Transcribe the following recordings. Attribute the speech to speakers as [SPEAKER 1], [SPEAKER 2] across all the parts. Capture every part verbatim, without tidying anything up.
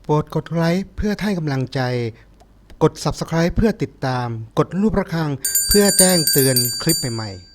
[SPEAKER 1] โปรดกดไลค์เพื่อให้กำลังใจกด ซับสไครบ์ เพื่อติดตามกดรูประฆังเพื่อแจ้งเตือนคลิปใหม่ๆ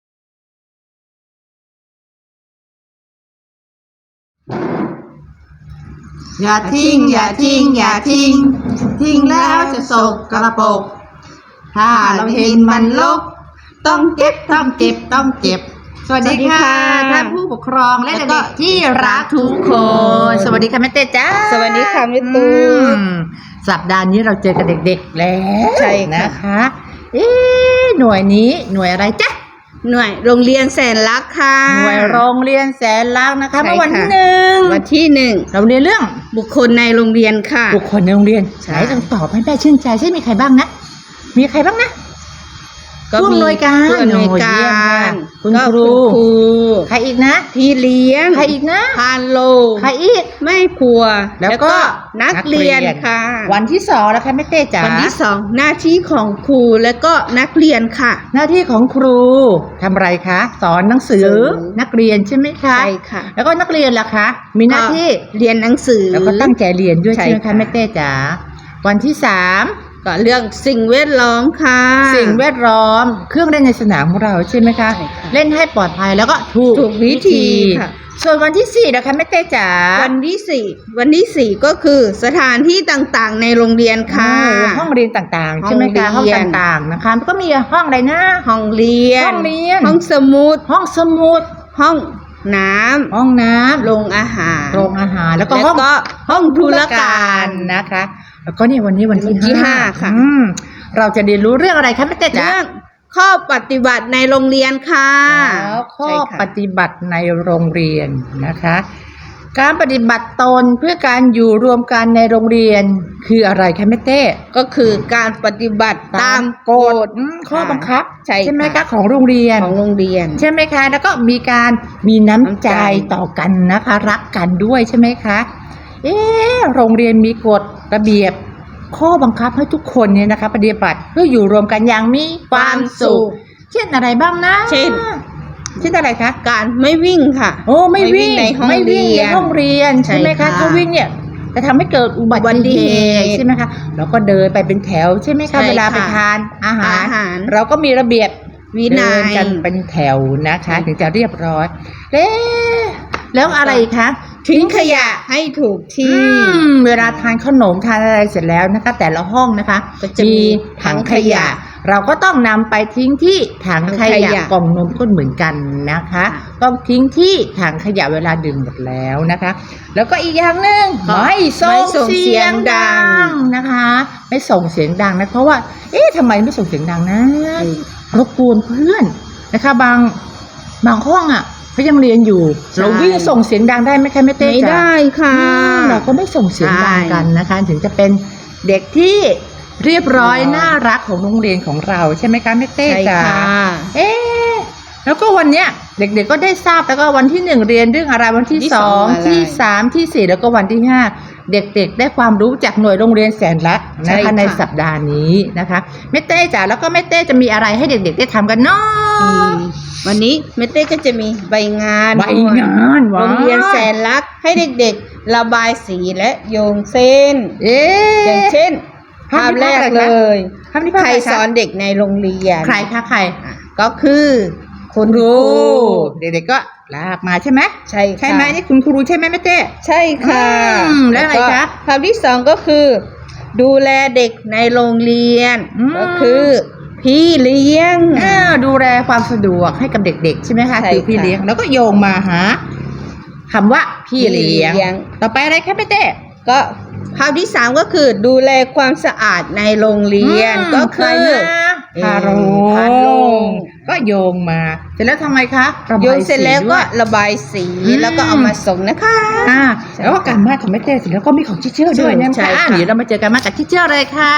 [SPEAKER 2] อย่าทิ้งอย่าทิ้งอย่าทิ้งทิ้งแล้วจะสกระปรกถ้าเราเห็นมันลกต้องเก็บต้องเก็บต้องเก็บสวัสดีค่ะท่านผู้ปกครองและเด็กที่รักทุกคนสวัสดีค่ะแม่เต้จ้า
[SPEAKER 3] สวัสดีค่ะแม่ตูน
[SPEAKER 2] สัปดาห์นี้เราเจอกับเด็กๆแล้ว
[SPEAKER 3] ใช่
[SPEAKER 2] นะคะเอ๊ะหน่วยนี้หน่วยอะไรจ๊ะ
[SPEAKER 3] หน่วยโรงเรียนแสนรักค่ะ
[SPEAKER 2] หน่วยโรงเรียนแสนรักนะคะเมื่อวันที่หนึ่ง
[SPEAKER 3] วันที่หนึ่ง
[SPEAKER 2] เราเรียนเรื่อง
[SPEAKER 3] บุคคลในโรงเรียนค่ะ
[SPEAKER 2] บุคคลในโรงเรียนใช่ต้องตอบให้แม่ชื่นใจใช่มีใครบ้างนะมีใครบ้างนะ
[SPEAKER 3] ก็มี
[SPEAKER 2] ผู้อำนวยการ
[SPEAKER 3] ผู้อำนวยการ
[SPEAKER 2] คุณครูใครอีกนะ
[SPEAKER 3] พี่เลี้ยง
[SPEAKER 2] ใครอีกนะ
[SPEAKER 3] พานโล
[SPEAKER 2] ใครอีก
[SPEAKER 3] แม่ครัว
[SPEAKER 2] แล้วก็
[SPEAKER 3] นักเรียนค่ะ
[SPEAKER 2] วันที่สองแล้วค่ะแม่เต้จ๋า
[SPEAKER 3] วันที่สองหน้าที่ของครูและก็นักเรียนค่ะ
[SPEAKER 2] หน้าที่ของครูทำอะไรคะสอนหนังสือนักเรียนใช่ไหมคะ
[SPEAKER 3] ใช่ค่ะ
[SPEAKER 2] แล้วก็นักเรียนล่ะคะมีหน้าที่
[SPEAKER 3] เรียนหนังสือ
[SPEAKER 2] แล้วก็ตั้งใจเรียนด้วยใช่ไหมคะแม่เต้จ๋าวันที่สาม
[SPEAKER 3] ก็เรื่องสิ่งแวดล้อมค่ะ
[SPEAKER 2] สิ่งแวดล้อมเครื่องเล่นในสนามของเราใช่ไหมคะเล่นให้ปลอดภัยแล้วก็ถูก
[SPEAKER 3] ถูกวิธีค่ะ
[SPEAKER 2] ส่วนวันที่สี่นะคะแม่เต้จ๋า
[SPEAKER 3] วันที่สี่วันที่สี่ก็คือสถานที่ต่างๆในโรงเรียนค่ะ
[SPEAKER 2] ห้องเรียนต่างๆใช่ไหมคะห้องต่างๆนะคะก็มีห้องอะไรนะ
[SPEAKER 3] ห้องเรียน
[SPEAKER 2] ห้องเรียน
[SPEAKER 3] ห้องสมุด
[SPEAKER 2] ห้องสมุด
[SPEAKER 3] ห้องน้ำ
[SPEAKER 2] ห้องน้ำ
[SPEAKER 3] โรงอาหาร
[SPEAKER 2] โรงอาหารแล้วก็ห้อง
[SPEAKER 3] ห้องธุรการ
[SPEAKER 2] นะคะแล้วก็นี่วันนี้วัน
[SPEAKER 3] ที่ห้าค่ะ
[SPEAKER 2] เราจะเรียนรู้เรื่องอะไรคะแม่เต้จ๋า
[SPEAKER 3] เรื่องข้อปฏิบัติในโรงเรียนค่ะ
[SPEAKER 2] แล้วข้อปฏิบัติในโรงเรียนนะคะการปฏิบัติตนเพื่อการอยู่รวมกันในโรงเรียนคืออะไรคะแม่เต้
[SPEAKER 3] ก็คือการปฏิบัติตามกฎ
[SPEAKER 2] ข้อบังคับ
[SPEAKER 3] ใช่
[SPEAKER 2] ไหมคะของโรงเรียน
[SPEAKER 3] ของโรงเรียน
[SPEAKER 2] ใช่ไหมคะแล้วก็มีการมีน้ำใจต่อกันนะคะรักกันด้วยใช่ไหมคะเอ๊ะโรงเรียนมีกฎระเบียบข้อบังคับให้ทุกคนเนี่ยนะคะปฏิบัติเพื่ออยู่รวมกันอย่างมีความสุขเช่นอะไรบ้างนะ
[SPEAKER 3] เช่น
[SPEAKER 2] เช่นอะไรคะ
[SPEAKER 3] การไม่วิ่งค่ะ
[SPEAKER 2] โอ้ไม่วิ่งในห้องเรียนห้องเรียนใช่ไหมคะถ้าวิ่งเนี่ยจะทำให้เกิดอุบัติเหตุใช่ไหมคะเราก็เดินไปเป็นแถวใช่ไหมคะเวลาไปทานอาหารเราก็มีระเบียบ
[SPEAKER 3] วินัย
[SPEAKER 2] กันเป็นแถวนะคะถึงจะเรียบร้อยเอ๊ะแล้วอะไรคะ
[SPEAKER 3] ทิ้งขยะให้ถูกที่
[SPEAKER 2] เวลาทานขนมทานอะไรเสร็จแล้วนะคะแต่ละห้องนะคะจะมีถังขยะเราก็ต้องนำไปทิ้งที่ถังขยะกล่องนมก็เหมือนกันนะคะต้องทิ้งที่ถังขยะเวลาดื่มหมดแล้วนะคะแล้วก็อีกอย่างหนึ่งไม่ส่งเสียงดังนะคะไม่ส่งเสียงดังนะเพราะว่าเอ๊ะทำไมไม่ส่งเสียงดังนะรบกวนเพื่อนนะคะบางบางห้องอ่ะเขายังเรียนอยู่เราวิ่งส่งเสียงดังได้ไหมคะแม่เต้
[SPEAKER 3] ไม่ได้ค่ะ
[SPEAKER 2] เราก็ไม่ส่งเสียงดังกันนะคะถึงจะเป็นเด็กที่เรียบร้อยน่ารักของโรงเรียนของเราใช่ไหมคะแม่เต้จ๋าเอ๊ะแล้วก็วันเนี้ยเด็กๆก็ได้ทราบแล้วก็วันที่หนึ่งเรียนเรื่องอะไรวันที่สองที่สามที่สี่แล้วก็วันที่ห้าเด็กๆได้ความรู้จากหน่วยโรงเรียนแสนรักนะคะในสัปดาห์นี้นะคะแม่เต้จ๋าแล้วก็แม่เต้จะมีอะไรให้เด็กๆได้ทำกันเนาะ
[SPEAKER 3] วันนี้แม่เต้ก็จะมีใบงาน
[SPEAKER 2] ใบงาน
[SPEAKER 3] โรงเรียนแสนรักให้เด็กๆระบายสีและโยงเส้น
[SPEAKER 2] เอ๊ะ
[SPEAKER 3] อย่างเช่นภาพแรกเลยใครสอนเด็กในโรงเรียน
[SPEAKER 2] ใครคะใคร
[SPEAKER 3] ก็คือคุณครู
[SPEAKER 2] เด็กๆก็ลากมาใช่ไหม
[SPEAKER 3] ใช่
[SPEAKER 2] ใช่ไหมนี่คุณครูใช่ไหมแม่เต้
[SPEAKER 3] ใช่ค่ะ
[SPEAKER 2] แล้วอะไรคะ
[SPEAKER 3] ภาพที่สองก็คือดูแลเด็กในโรงเรียนก็คือพี่เลี้ยง
[SPEAKER 2] ดูแลความสะดวกให้กับเด็กๆใช่ไหมคะคือพี่เลี้ยงแล้วก็โยงมาหาคำว่าพี่เลี้ยงต่อไปอะไรคะแม่เต้
[SPEAKER 3] ก็ภาพที่สามก็คือดูแลความสะอาดในโรงเรียนก็คือ
[SPEAKER 2] พาโรงก็โยงมาเสร็จแล้วทำไมคะ
[SPEAKER 3] โยงเสร็จแล้วก็ระบายสีแล้วก็เอามาส่งนะคะ
[SPEAKER 2] อ่าแล้วก็การบ้านของแม่เต้เสร็จแล้วก็มีของทิเชอร์ด้วยนะคะเดี๋ยวเรามาเจอกันมากับทิเชอร์เลยค่ะ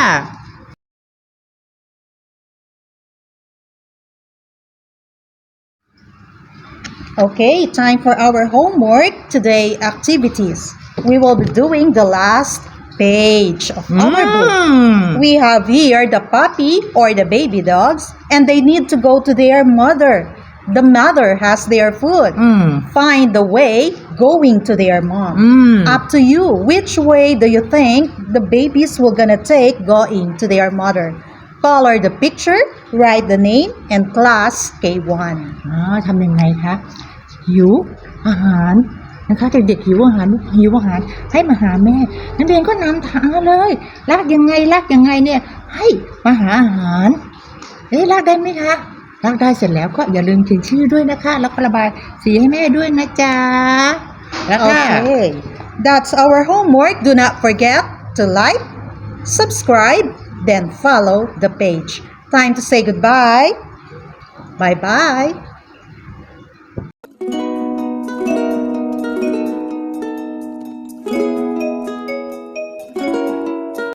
[SPEAKER 4] Okay, time for our homework. Today activities. We will be doing the last page of mm. our book. We have here the puppy or the baby dogs, and they need to go to their mother. The mother has their food.
[SPEAKER 2] Mm.
[SPEAKER 4] Find the way, going to their mom.
[SPEAKER 2] อืม
[SPEAKER 4] Up to you. Which way do you think the babies will gonna take going to their mother? Color the picture, write the name, and class เค วัน
[SPEAKER 2] อ๋อทำยังไงคะหิวอาหารนะคะเด็กๆหิวอาหารหิวอาหารให้มาหาแม่นักเรียนก็นำทางเลยลากยังไงลากยังไงเนี่ยให้มาหาอาหารเอ๊ะลากได้ไหมคะลากได้เสร็จแล้วก็อย่าลืมเขียนชื่อด้วยนะคะแล้วก็ระบายสีให้แม่ด้วยนะจ๊ะแล้วก็
[SPEAKER 4] Okay. That's our homework. Do not forget to like, subscribe, then follow the page. Time to say goodbye. Bye bye.